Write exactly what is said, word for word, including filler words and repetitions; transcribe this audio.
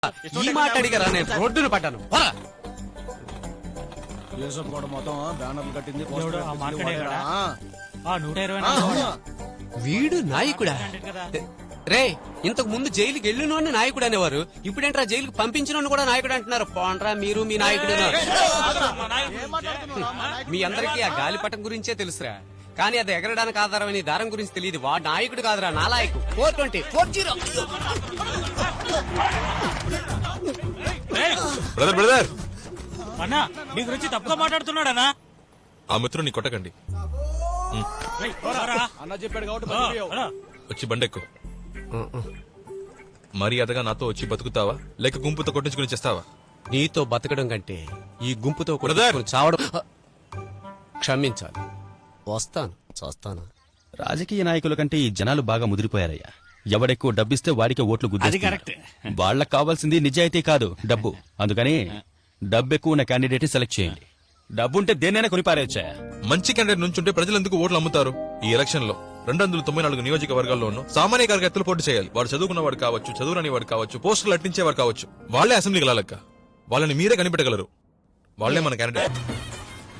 ఈ మాట అడిగారా నేను రోడ్డును పడ్డాను మొత్తం బ్యానర్లు కట్టింది ఎవడు ఆ మార్కెటే కదా? ఆ నూట ఇరవై వీడు నాయకుడా రే ఇంతకు ముందు జైలుకి వెళ్ళినోడిని నాయకుడు అనేవారు ఇప్పుడేంట్రా జైలుకి పంపించిన కూడా నాయకుడు అంటున్నారు పోండ్రా మీరు మీ నాయకుడు మీ అందరికీ ఆ గాలిపటం గురించే తెలుసురా కానీ అది ఎగరడానికి ఆధారమైన ఈ దారం గురించి తెలియదు వాడు నాయకుడు కాదురా నాలాయకు four twenty four zero brother brother అన్నా నీ గురించి తప్పుగా మాట్లాడుతున్నాడనా? ఆ మిత్రుని కొట్టకండి. అన్న చెప్పాడు కాబట్టి వచ్చి బండెక్కు. మర్యాదగా నాతో వచ్చి బతుకుతావా లేక గుంపుతో కొట్టించుకుని చేస్తావా? నీతో బతకడం కంటే ఈ గుంపుతో బ్రదర్! కొట్టుకుని చావడం క్షమించాలి వస్తాను చేస్తాను. రాజకీయ నాయకుల కంటే ఈ జనాలు బాగా ముదిరిపోయారయ్యా. ఎవడెక్కువ డబ్బిస్తే వాడికే ఓట్లు గుద్దేస్తున్నారు. వాళ్ళకి కావాల్సింది నిజాయితీ కాదు డబ్బు. అందుకని డబ్బు ఎక్కువ ఉన్న క్యాండిడేట్ సెలెక్ట్ చేయండి. డబ్బుంటే దేన్నైనా కొని పారేయొచ్చా? మంచి క్యాండిడేట్ నుంచుంటే ప్రజలు ఎందుకు ఓట్లు అమ్ముతారు? ఈ ఎలక్షన్ లో రెండు వందల తొంభై నాలుగు నియోజకవర్గాల్లోనూ సామాన్య కార్యకర్తలు పోటీ చేయాలి. వాడు చదువుకున్నవాడు కావచ్చు, చదువురాని వాడు కావచ్చు, పోస్టులు అట్టించేవాడు కావచ్చు. వాళ్లే అసెంబ్లీకి లాలక్క. వాళ్ళని మీరే కనిపెట్టగలరు. వాళ్లే మన క్యాండిడేట్.